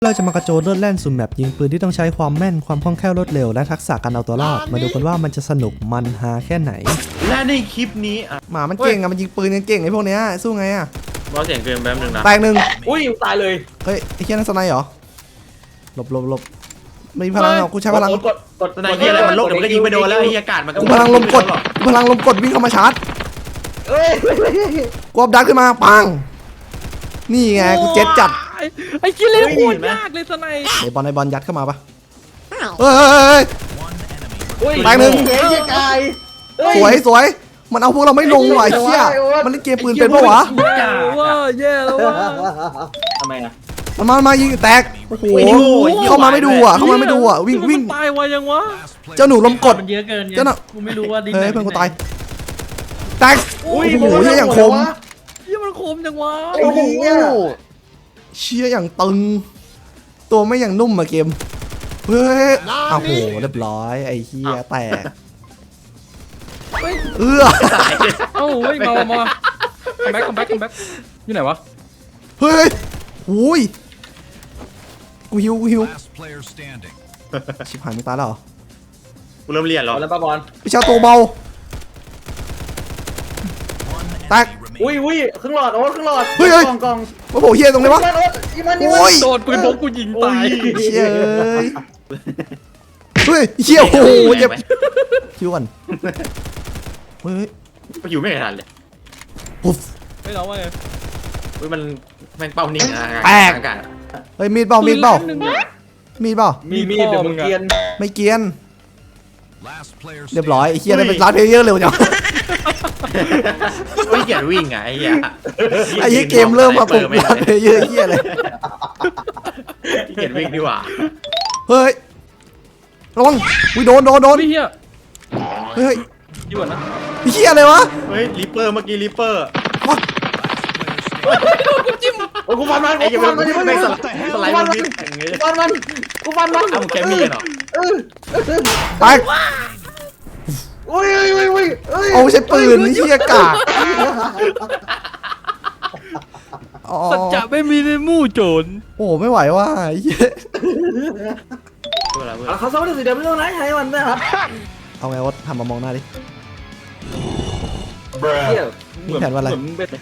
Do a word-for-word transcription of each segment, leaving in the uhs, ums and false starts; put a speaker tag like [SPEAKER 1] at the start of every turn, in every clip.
[SPEAKER 1] เราจะมากระโจนเลือดแล่นสุ่มแมปยิงปืนที่ต้องใช้ความแม่นความคล่องแคล่วรวดเร็วและทักษะการเอาตัวรอดมาดูกันว่ามันจะสนุกมันฮาแค่ไหน
[SPEAKER 2] และในคลิปนี้อ่ะ
[SPEAKER 1] หมามันเก่งอะมันยิงปืนเก่งไอ้พวกเนี้ยสู้ไงอะ
[SPEAKER 2] เบาเสียงเกินแป๊บนึงนะ
[SPEAKER 1] แตกหนึ่ง
[SPEAKER 3] อุ้ยตายเลย
[SPEAKER 1] เฮ้ยไอ้เคียนั่นสไนเหรอหลบหลบหลบไม่มีพลังหรอกกูใช้พลัง
[SPEAKER 3] กดกด
[SPEAKER 2] สไนเปอร์อะไรมันโลกเดี๋ยวมันก็ยิงไปโดนแล้วไอ้อากาศมันก็
[SPEAKER 1] พลังลมกดพลังลมกดวิ่งเข้ามาชาร์จ
[SPEAKER 3] เอ้ย
[SPEAKER 1] กวบดันขึ้นมาปังนี่ไงกูเจ็ดจัด
[SPEAKER 4] ไอ้กิเลสโคตรยากเลยสไน
[SPEAKER 1] ไอ้บอลไอ้บอลยัดเข้ามาปะเฮ้ยแตกหนึ่งสวยสวยมันเอาพวกเราไม่ลงว่ะเชี่ยมันเล่นเกมปืนเป็นปะวะ
[SPEAKER 4] แย่ว่าแย่แล้วว่า
[SPEAKER 3] ทำไมอ่ะ
[SPEAKER 1] มันมามายิงแตกโอ้โหเข้ามาไม่ดูอ่ะเข้ามาไม่ดูอ่ะวิ่งวิ่ง
[SPEAKER 4] ตายวะยังวะ
[SPEAKER 1] เจ้าหนูลมกด
[SPEAKER 4] มันเยอะเกิน
[SPEAKER 1] เจ้าหนู
[SPEAKER 4] กูไม่รู้ว่าดิ
[SPEAKER 1] เฮ้ยเพื่อนกูตายแตกโอ้โหเชี่ยอย่างคม
[SPEAKER 4] เชี่ยมันคมจังวะ
[SPEAKER 1] โอ้โหเชี่ยอย่างตึงตัวไม่อย่างนุ่มอะเกมเฮ้ยโอ้โหเรียบร้อยไอ้เหี้ยแตกเออ
[SPEAKER 4] เอ้าเฮ้ยมามาคัมแบ็คคัมแบ็คคัมแบ็คอยู่ไหนวะ
[SPEAKER 1] เฮ้ยอุ้ยกูหิวกูหิวชิบหายมึงตายแล้วเหรอ
[SPEAKER 2] กูเริ่มเรียนแล้ว
[SPEAKER 3] แล้วป้าบอล
[SPEAKER 1] พี่ชาวตัวเบาแตก
[SPEAKER 3] อุ้ยอุ้ยครึ่งหลอดโอ๊ตครึ่งหลอด
[SPEAKER 1] เฮ้ย
[SPEAKER 3] กล่องกล่อง
[SPEAKER 1] มาโผล่เฮียตรงไหนวะ
[SPEAKER 4] โอ้ยโดนปืนพกกูยิงตาย
[SPEAKER 1] เชี่ยเฮ้ยเชี่ยโอ้โหเจ็บคิวก่อนเฮ้ย
[SPEAKER 2] ไปอยู่ไม่ทันเลย
[SPEAKER 1] ปุ๊บ
[SPEAKER 4] ไม่เราว่าไง
[SPEAKER 2] เฮ้ยมันแม่งเป้านิ่งนะ
[SPEAKER 1] แตกเฮ้ยมีดเปล่ามีดเปล่ามีดเปล่า
[SPEAKER 3] มีมีดเดี๋ยวมึงเกียน
[SPEAKER 1] ไม่เกียนเรียบร้อยไอ้เฮียได้เป็นร้านเพลเยอร์เร็วจัง
[SPEAKER 2] ไม่เกียดวิ่งไงไอ้เหี้ย
[SPEAKER 1] ไอ้เหี้ยเกมเริ่มมาปุ๊บร้านเพลเยอร์เฮียเลย
[SPEAKER 2] เกียดวิ่งดีกว่า
[SPEAKER 1] เฮ้ยระวังวิโดนโดนโดน
[SPEAKER 4] เฮีย
[SPEAKER 1] เฮ้ย
[SPEAKER 4] ยี่ห้อนะ
[SPEAKER 1] เฮียอะไรวะ
[SPEAKER 2] เฮ้ยลิปเปอร์เมื่อกี้ลิปเปอร์
[SPEAKER 4] กูจิ้ม
[SPEAKER 3] กูฟันมันกูฟันมันกูฟันมัน
[SPEAKER 2] สไลด์มันวิ่งอย่างงี้
[SPEAKER 3] กูฟันมันกูฟันมัน
[SPEAKER 2] เอาแกมีเหรอ
[SPEAKER 1] ไป
[SPEAKER 3] อุ้ยอุ้ยอุ้ย
[SPEAKER 1] เอาใช้ปืนนี่เชี่ยกาก
[SPEAKER 4] สัจจะไม่มีในหมู่โจร
[SPEAKER 1] โอ้ไม่ไหวว่ะเหี้ย
[SPEAKER 3] เขาซ้อมได้สิเดี๋ยวไม่ต้องไหนให้มันนะครับ
[SPEAKER 1] เอาไงวะทำมามองหน้าดิ
[SPEAKER 3] มี
[SPEAKER 1] แผนว่าอะไร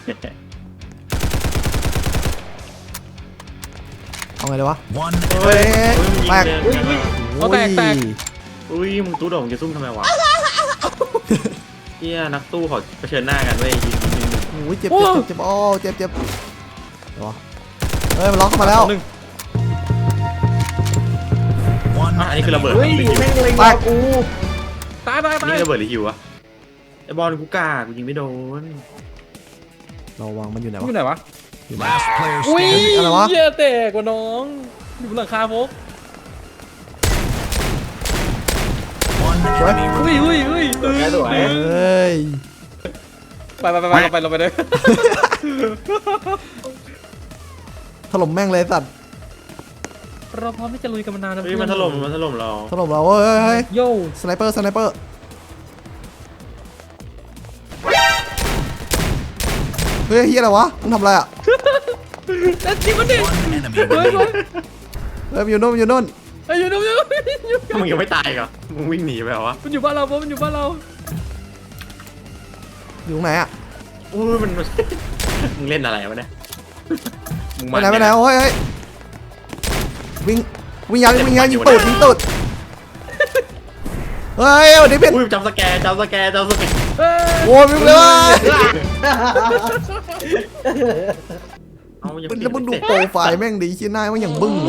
[SPEAKER 1] เอาไงเลยวะ
[SPEAKER 2] เฮ้ย
[SPEAKER 1] แตก
[SPEAKER 4] เอาแตกแตก
[SPEAKER 2] อุ้ยมึงตู้โด่งจะซุ่มทำไมวะเฮียนักตู้ขอเผชิญหน้ากันเว้ยยิงยิง
[SPEAKER 1] โอ้ยเจ็บเจ็บเจ็บโอ้เจ็บเจ็บเดี๋ยวเฮ้ยมันล็อกเข้ามาแล้ว
[SPEAKER 2] อันนี้คือระเบิด
[SPEAKER 3] เฮ้ยแม่งเลยกู
[SPEAKER 4] ตายตายตาย
[SPEAKER 2] นี่ระเบิดหรือหิวอะไอบอลกูกล้ากูยิงไม่โดน
[SPEAKER 1] เราวางมันอยู่ไหนวะ
[SPEAKER 4] อยู่ไหนวะ
[SPEAKER 1] อุ้ยอะไรวะ
[SPEAKER 4] เหี้ยแตกกว่าน้องอยู่บนหลังคาพกอุ้ยอุ้ยอุ้ย
[SPEAKER 3] สวย
[SPEAKER 1] เฮ้ย
[SPEAKER 4] ไปไปไปไปเราไปเราไปเลย
[SPEAKER 1] ถล่มแม่งเลยสัตว์
[SPEAKER 4] เราพร้อมที่จะลุยกันมานานแล้ว
[SPEAKER 2] เฮ้ยมันถล่มมันถล่มเรา
[SPEAKER 1] ถล่มเราเฮ้ยเฮ้ย
[SPEAKER 4] โย่
[SPEAKER 1] สไนเปอร์สไนเปอร์เฮ้ยเฮียอะไรวะมึงทำอะไรอ่ะ
[SPEAKER 4] นั่นจริงมันดิเฮ้ย
[SPEAKER 1] เฮ้ยอยู่โน่นอยู่โน่น
[SPEAKER 4] ไอ้อยู่โน่นอยู่
[SPEAKER 2] มึงยังไม่ตายเหรอมึงวิ่งหนีไปเหรอวะ
[SPEAKER 4] มันอยู่บ้านเราปะมันอยู่บ้านเรา
[SPEAKER 1] อยู่ตรงไหนอ่ะ
[SPEAKER 2] อุ้ยมันมึงเล่นอะไรวะเนี่ย
[SPEAKER 1] ไปไหนไปไหนโอ้ยเฮ้ยวิ่งวิ่งยันวิ่งยันยิงตูดยิงตูดเฮ้ยวันนี้เป็น
[SPEAKER 2] อุ้ยจำสแกร์จำสแกร์จำสแกร์
[SPEAKER 1] โว้ยวิ่งเลย
[SPEAKER 2] เอายัง
[SPEAKER 1] แล้วมึงดูโปรไฟล์แม่งดีชิ้นหน้ามันอย่างบึ้ง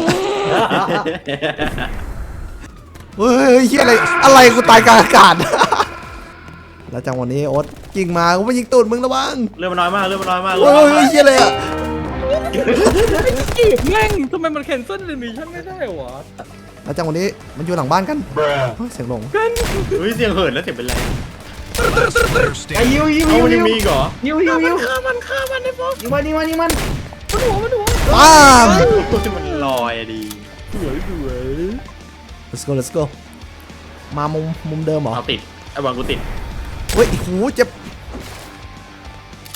[SPEAKER 1] เฮ้ยเฮียอะไรอะไรกูตายกลางอากาศแล้วจังวันนี้โอ๊ตยิงมากูไม่ยิงตูดมึงระวัง
[SPEAKER 2] เรื่องมันน้อยมากเรื่องมันน้อยมาก
[SPEAKER 1] โอ้ยเฮียอะไรอ่ะ
[SPEAKER 4] จีบแม่งทำไมมันแคนเซิลเลยนี่ฉันไม่ได้หวะ
[SPEAKER 1] แล้วจังวันนี้มันอยู่หลังบ้านกันเสียงหลง
[SPEAKER 2] เฮ้ยเสียงเหินแล้วเสียงเป็นไร
[SPEAKER 3] ไอ้ยิวยิว
[SPEAKER 2] ยิวยิวมีเหรอ
[SPEAKER 3] ยิวยิวยิว
[SPEAKER 4] ฆ่ามันฆ่ามันไอ้พวก
[SPEAKER 3] ยิงมันยิงมันยิงมัน
[SPEAKER 4] มันหัวมันหัว
[SPEAKER 1] ว้าว
[SPEAKER 2] มันลอยดี
[SPEAKER 4] สวยสวย
[SPEAKER 1] let's go let's go มามุมมุมเดิมเหรอ
[SPEAKER 2] เอาติดไอ้บอลกูติด
[SPEAKER 1] เฮ้ยหูเจ็บ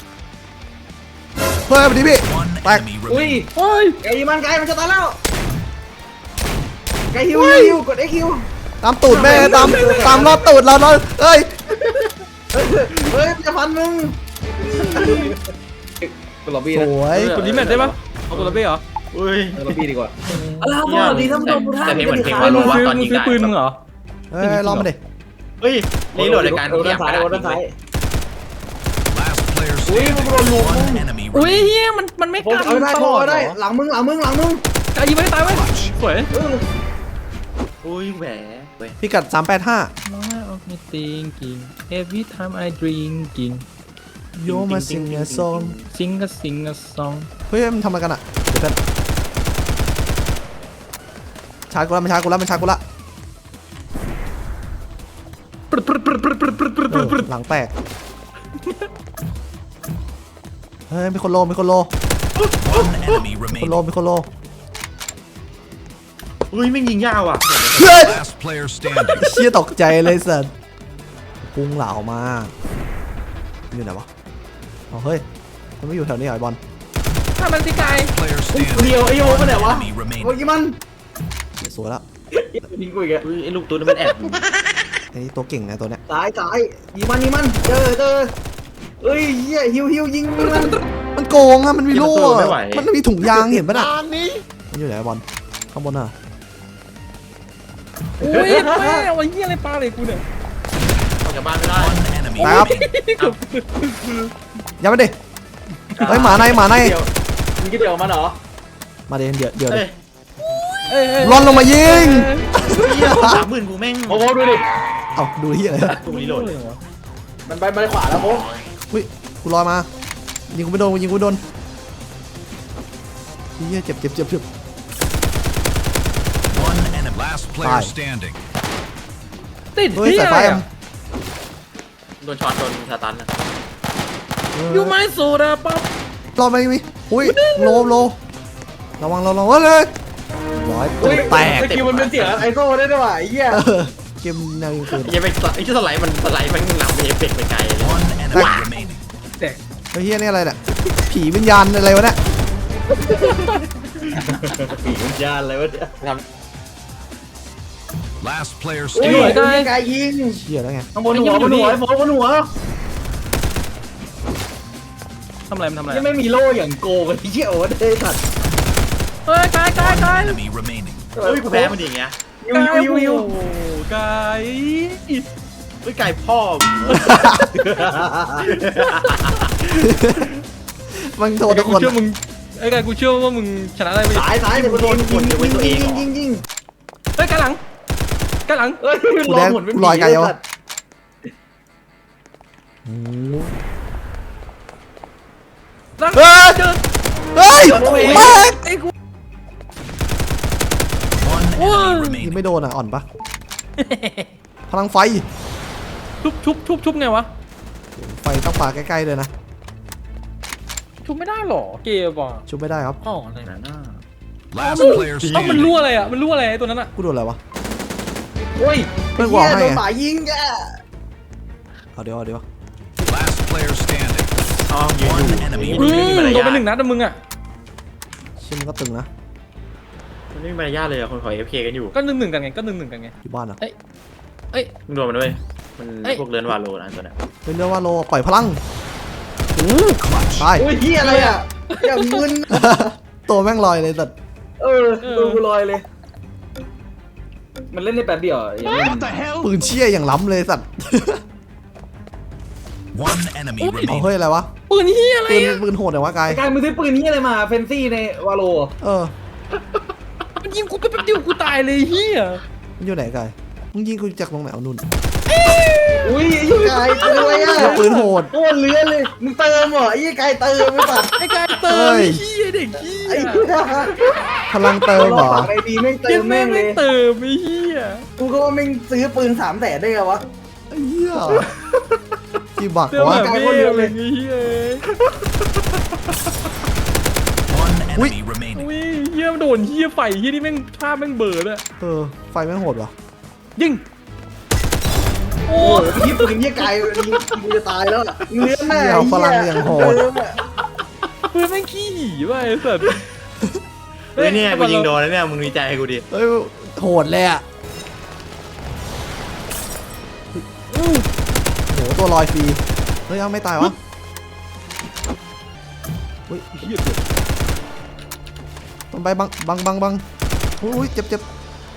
[SPEAKER 1] เฮ้ยมาดิพี่แตก
[SPEAKER 3] อุ้ยเฮ้ยไอ้มันไกลมันจะตายแล้วไกฮิวฮิวกด X ฮิว
[SPEAKER 1] ตามตูดแม่ตามตามรอดตูดเราเนาะเอ้ย
[SPEAKER 3] เฮ้ยจะพันมึงกดล็อบบี้
[SPEAKER 1] ส
[SPEAKER 3] นะ
[SPEAKER 1] วย
[SPEAKER 4] กดลิมิตได้ปะเอากดระเบ้เหรอ
[SPEAKER 2] อุ้ย
[SPEAKER 3] กดล็อบบี้ดีกว่า
[SPEAKER 5] อะไรครับผมดีท่านผู้ชมทุกท่าน
[SPEAKER 2] แต่นี่เหมือนเพลง
[SPEAKER 4] ไอ้
[SPEAKER 2] วาโล
[SPEAKER 4] มึง
[SPEAKER 2] วะ
[SPEAKER 4] ซื้อ
[SPEAKER 2] ตอน
[SPEAKER 4] มึง
[SPEAKER 2] ยิง
[SPEAKER 4] ซื้อ
[SPEAKER 2] ได้
[SPEAKER 4] ปืนมึงเหรอ
[SPEAKER 1] เฮ้ยลองมาดิ
[SPEAKER 2] เฮ้ยรีโหลดรายการ
[SPEAKER 3] โอ้
[SPEAKER 2] ที่
[SPEAKER 3] ด้านซ้าย
[SPEAKER 2] กระ
[SPEAKER 3] โอ้
[SPEAKER 2] ดาษ
[SPEAKER 3] ด้านซ้าย
[SPEAKER 6] Last player
[SPEAKER 3] อุ้ย
[SPEAKER 6] standing.
[SPEAKER 3] มันโดนลุม
[SPEAKER 6] One enemy
[SPEAKER 4] อุ้ย
[SPEAKER 6] remaining.
[SPEAKER 4] เฮียมันมันไม่
[SPEAKER 3] ผม
[SPEAKER 4] กัน
[SPEAKER 3] เอาได้
[SPEAKER 4] ต
[SPEAKER 3] ผม
[SPEAKER 4] ลอด
[SPEAKER 3] เอา
[SPEAKER 4] เหร
[SPEAKER 3] ได้
[SPEAKER 4] อ
[SPEAKER 3] หลังมึงหลังมึงหลังมึง
[SPEAKER 4] กายยิงไม่ตายเว้ยสวย
[SPEAKER 2] อุ้ยแหวเว้ย
[SPEAKER 1] พิกัดสามแปดห้า
[SPEAKER 4] น้อยออกไม่ thinking every time I drinking
[SPEAKER 1] โยมาซิงเงซอง
[SPEAKER 4] sing a sing a song
[SPEAKER 1] เฮ้ยมันทำอะไรกันอ่ะเดี๋ยวกันชาร์จกูละมันชาร์จกูละมันชาร์จกูละเออหลังแตกเฮ้ยมีคนโลมีคนโล
[SPEAKER 6] One enemy
[SPEAKER 1] คนโล
[SPEAKER 6] remaining.
[SPEAKER 1] มีคนโล
[SPEAKER 2] อุ้ยไม่งยิงยาวอ่ะ
[SPEAKER 1] เฮ้ย
[SPEAKER 6] Last player standing.
[SPEAKER 1] เชี่ยตกใจเลยสัสพุงเหล่ามาอยู่ไหนวะอ๋อเฮ้ยมันไม่อยู่แถวนี้เหรอไอ้บอล
[SPEAKER 4] ถ้ามันที่กาย
[SPEAKER 6] Player
[SPEAKER 3] เดียว
[SPEAKER 6] standing.
[SPEAKER 3] ไอ้โยมันไหนวะ
[SPEAKER 6] Enemy
[SPEAKER 3] เมื่อ
[SPEAKER 6] remaining.
[SPEAKER 3] กี้มัน
[SPEAKER 1] เดี๋ยวสวยแล้ว
[SPEAKER 3] ยิงกูอีกอะ
[SPEAKER 2] อุ้ยไอ้ลูกตัวนี้มันแอบ
[SPEAKER 1] ไอ้นี่ตัวเก่งไงตัวเนี้ย
[SPEAKER 3] ซ้ายซ้ายยิงมันยิงมันเจอเจอเอ้ยเหี้ยฮิวฮิวยิงมัน
[SPEAKER 1] มันโกงอะมันมีโล่อะมันมีถุงยางเห็นปะน่ะมันอยู่ไหนไอ้บอลข้างบนน่ะ
[SPEAKER 4] อุ้ยแม่เอาไอ้เหี้ยอะไรปลาเลยกูเนี่ย
[SPEAKER 2] ออกจากบ้านไม่ได้
[SPEAKER 6] One enemy
[SPEAKER 1] ตายครับ
[SPEAKER 6] remaining.
[SPEAKER 1] อย่ามาดิเฮ้ยหมาในหมาใน
[SPEAKER 3] เดี๋ยวมึงคิดเดี๋ยวมันเหรอ
[SPEAKER 1] มาดิเดี๋ยวเดี๋ยว
[SPEAKER 2] เฮ้
[SPEAKER 1] ดิ
[SPEAKER 2] ย
[SPEAKER 4] เอ้ยเอ้ย
[SPEAKER 1] ร่อนลงมายิง
[SPEAKER 2] เหี้ยสามหมื่นกูแม่ง
[SPEAKER 3] โอ้โหดูดิ
[SPEAKER 1] เอ้าดูที่อะไรวะ
[SPEAKER 2] กูรีโหลดเลย
[SPEAKER 3] มันไปมันขวาแล้วโม
[SPEAKER 1] อุ้ยกูลอยมายิงกูไม่โดนกูยิงกูไม่โดนเฮียเจ็บเจ็บเจ็บเจ็บ
[SPEAKER 6] One enemy. Last player
[SPEAKER 1] Bye.
[SPEAKER 6] standing.
[SPEAKER 4] ติด
[SPEAKER 1] เฮ้ย
[SPEAKER 4] เหี้ย
[SPEAKER 1] สาย
[SPEAKER 4] อะไร
[SPEAKER 1] ไฟ
[SPEAKER 4] อะ
[SPEAKER 2] โดนช็อตโดนสตันนะ
[SPEAKER 4] ยูไม้โซดาป๊อป
[SPEAKER 1] รอดไหมมีอุ้ยโลโลระวังระวังเฮ้ยเลยร้อยตัวแตก
[SPEAKER 3] สกิลมันเป็นเสียงไอโซ่ได้ด้วยว่ะไอ้เหี้ย
[SPEAKER 1] เออเกมแนวยิงปืน
[SPEAKER 2] ยังไปไอ้ที่สไลด์มันสไลด์มันนำเอฟเฟกต์ไปไกลเลย
[SPEAKER 6] One enemy remaining.
[SPEAKER 4] แต่
[SPEAKER 1] เฮ้ยเฮียนี่อะไรเนี่ยผีวิญญาณอะไรวะเนี่ย
[SPEAKER 3] ปีกวิญญาณอะไรวะเนี่ย
[SPEAKER 2] ท
[SPEAKER 6] Last player
[SPEAKER 3] อุ้ย
[SPEAKER 6] standing.
[SPEAKER 3] ยิงไกลยิง
[SPEAKER 1] เชี่ยแล้วไง
[SPEAKER 3] ข้างบนหัวบนหัวไอ้โฟบนหัว
[SPEAKER 4] ทำอะไรมันทำอะไร
[SPEAKER 3] ยังไม่มีโล่อย่างโกงไอ้เหี้ยโอ้เด้สัตว์
[SPEAKER 4] เฮ้ยกายกาย
[SPEAKER 6] One
[SPEAKER 4] กาย
[SPEAKER 6] enemy remaining.
[SPEAKER 2] ำเฮ้ยกูแพ้มันดีอย่างเงี้ย
[SPEAKER 3] ยิวยิวยิวยิว
[SPEAKER 4] โอ้โหกาย
[SPEAKER 2] เฮ้ยไก่พ่อมึง
[SPEAKER 1] มันโทษทุก
[SPEAKER 4] กู
[SPEAKER 1] คน
[SPEAKER 4] เชื่อมึงไอ้กายกูเชื่อว่ามึงชนะได้ไม่
[SPEAKER 3] สายสายเดี๋ยวกูโดนยิงยิงยิงยิงยิง
[SPEAKER 4] เฮ้ยกายหลังกายหลัง
[SPEAKER 3] เอ้ย
[SPEAKER 1] กูแดงกูลอยไกลวะโอ้
[SPEAKER 4] หลัง
[SPEAKER 1] เฮ้ย
[SPEAKER 4] เจอ
[SPEAKER 1] เฮ้ยแม่ง
[SPEAKER 4] ไอ้กู
[SPEAKER 6] One
[SPEAKER 4] Whoa.
[SPEAKER 6] enemy
[SPEAKER 1] ยิง
[SPEAKER 6] remaining.
[SPEAKER 1] ไม่โดนอ่ะอ่อนปะพลังไฟ
[SPEAKER 4] ชุบชุบชุบชุบไงวะ
[SPEAKER 1] ไฟต้องปาใกล้ๆเลยนะ
[SPEAKER 4] ชุบไม่ได้หรอเกมว่ะ
[SPEAKER 1] ชุบไม่ได้ครับ
[SPEAKER 4] อ๋ออะไรนะ
[SPEAKER 2] น่า
[SPEAKER 6] Last player
[SPEAKER 4] เอ้ามันรั่
[SPEAKER 6] standing.
[SPEAKER 4] วอะไรอ่ะมันรั่วอะไรไอ้ตัวนั้นอ่ะ
[SPEAKER 1] กูโดนอะไรวะ
[SPEAKER 3] โอ้ย
[SPEAKER 1] เพื่อนบอกให้
[SPEAKER 3] โด
[SPEAKER 1] ไง
[SPEAKER 3] นหมายิงแก
[SPEAKER 1] เอาเดี๋ยวเอาเดี๋ยว
[SPEAKER 6] Last player standing.
[SPEAKER 2] อ๋อยืน
[SPEAKER 6] One
[SPEAKER 2] อยู่
[SPEAKER 6] enemy
[SPEAKER 4] อืม
[SPEAKER 6] remaining.
[SPEAKER 4] โดนไปหนึ่งนัดนะมึงอ่ะ
[SPEAKER 1] เชื่อมันก็ตึงนะ
[SPEAKER 2] มันไม่มีมารยาทเลยอะคนขอเอฟเคกันอยู่
[SPEAKER 4] ก็หนึ่งหนึ่งกันไงก็หนึ่งหนึ่งกันไง
[SPEAKER 1] อยู่บ้านอ่ะ
[SPEAKER 4] เอ้ยเอ้ย
[SPEAKER 2] มึงโดนมันด้วยมัน
[SPEAKER 4] เอ้ย
[SPEAKER 2] พวกเรือนวาโลนะตัวเนี้ย
[SPEAKER 1] เป็นเรื่องว่าโลปล่อยพลังตาย
[SPEAKER 3] โอ้ยเหี้ยอะไรอ่ะอย่างมึน
[SPEAKER 1] ตัวแม่งลอยเลยแต่
[SPEAKER 3] เออดูกูลอยเลย มันเล่นได้แป๊บเดียวอ่ะอย่างนี้
[SPEAKER 1] ปืนเชี่ยอย่างล้ำเลยสัตว์
[SPEAKER 6] One enemy
[SPEAKER 1] เอา
[SPEAKER 6] remaining.
[SPEAKER 1] เฮ้ยอะไรวะ
[SPEAKER 4] ปืนเฮียอะไร
[SPEAKER 1] ปืน
[SPEAKER 4] อ่ะ
[SPEAKER 1] ปืนโหดเหรอวะกาย
[SPEAKER 3] ไอ้การมึงซื้อปืนนี้อะไรมาเฟนซี่ในวาโล
[SPEAKER 1] เออ
[SPEAKER 4] มันยิงกูไปแป๊บเดียวกูตายเลยเฮีย
[SPEAKER 1] มันอยู่ไหนกายมึงยิงกูจากตรงไหนเอานุ่น
[SPEAKER 3] อุ้ยไอ้ไก่ตัวอะไรอ่ะ
[SPEAKER 1] เชี่ยปืนโหด
[SPEAKER 3] โคตรเลื้อนเลยมึงเติมเหรอไอ้ไก่เติมไม่ตัด
[SPEAKER 4] ไอ้กายเติม
[SPEAKER 1] เฮ้ย
[SPEAKER 4] ไอ้เฮียเด็กเฮี
[SPEAKER 3] ไอ้
[SPEAKER 4] ย
[SPEAKER 3] เหี้ย
[SPEAKER 1] พลังเติมเหรอ
[SPEAKER 3] ปากไอ้ดีแม่งเติ
[SPEAKER 4] เหี้ย
[SPEAKER 3] ม
[SPEAKER 4] แม่
[SPEAKER 3] แม่
[SPEAKER 4] ง
[SPEAKER 3] งเลย
[SPEAKER 4] ไม่เติมไอ้เฮีย
[SPEAKER 3] กูก็ว่าแม่งซื้อปืนสามแสนได้ไงวะ
[SPEAKER 1] ไอ้เหี้ยกี่บัก
[SPEAKER 4] เติม
[SPEAKER 1] วะ
[SPEAKER 4] แบบไม่เดียวเลยไอ้เฮีย
[SPEAKER 6] One
[SPEAKER 1] Ui.
[SPEAKER 6] enemy remaining.
[SPEAKER 4] อุ้ยเฮียโดนเฮียไฟเฮียนี่แม่งภาพแม่งเบิร์ดอะ
[SPEAKER 1] เออไฟแม่งโหดวะ
[SPEAKER 4] ยิงโอ้
[SPEAKER 3] โอ้โหพี่ปืนเหี้ยไก่ยิงกูจะตายแล้วอะเลื้อนแน่
[SPEAKER 1] เหี้ยพลังอย่างโหด
[SPEAKER 3] เติมอะ
[SPEAKER 4] ปืนแม่งขี้หี่ว่ะไอ้สัส
[SPEAKER 2] เฮ้ยเนี่ยกูยิงโดนแล้วเนี่ยมึงดีใจกูดิ
[SPEAKER 1] เฮ้ยโหดเลยอ่ะโอ้โหตัวลอยฟรีเฮ้ยเอาไม่ตายวะเฮ้ยต้องไปบังบังบังบังอุ้ยเจ็บเจ็บ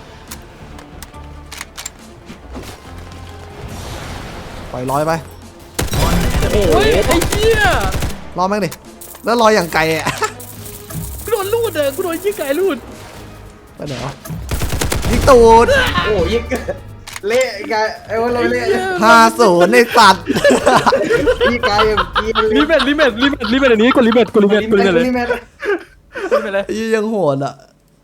[SPEAKER 1] ปล่อยลอยไป
[SPEAKER 6] One
[SPEAKER 4] โอ้ยไอ้เหี้ย
[SPEAKER 1] รอแม่งดิแล้วลอยอย่างไกลอ่ะ
[SPEAKER 4] กูโดนลูดเลยกูโดนยิงไก่ลูด
[SPEAKER 1] ไปไหนวะยิงตูด
[SPEAKER 3] โอ้ยิงเละไกายไอ้วันเราเละ
[SPEAKER 1] ห้าศูนย์ในสัตว์
[SPEAKER 3] พี่กายยังกิน
[SPEAKER 4] รีเมทรีเมทรีเมทรีเมทอันนี้กดรีเมทกดรีเมทกดรีเมทเลย
[SPEAKER 3] นี่แม่
[SPEAKER 4] รีเมทเลย
[SPEAKER 1] ยี่ยังโหดอ่ะ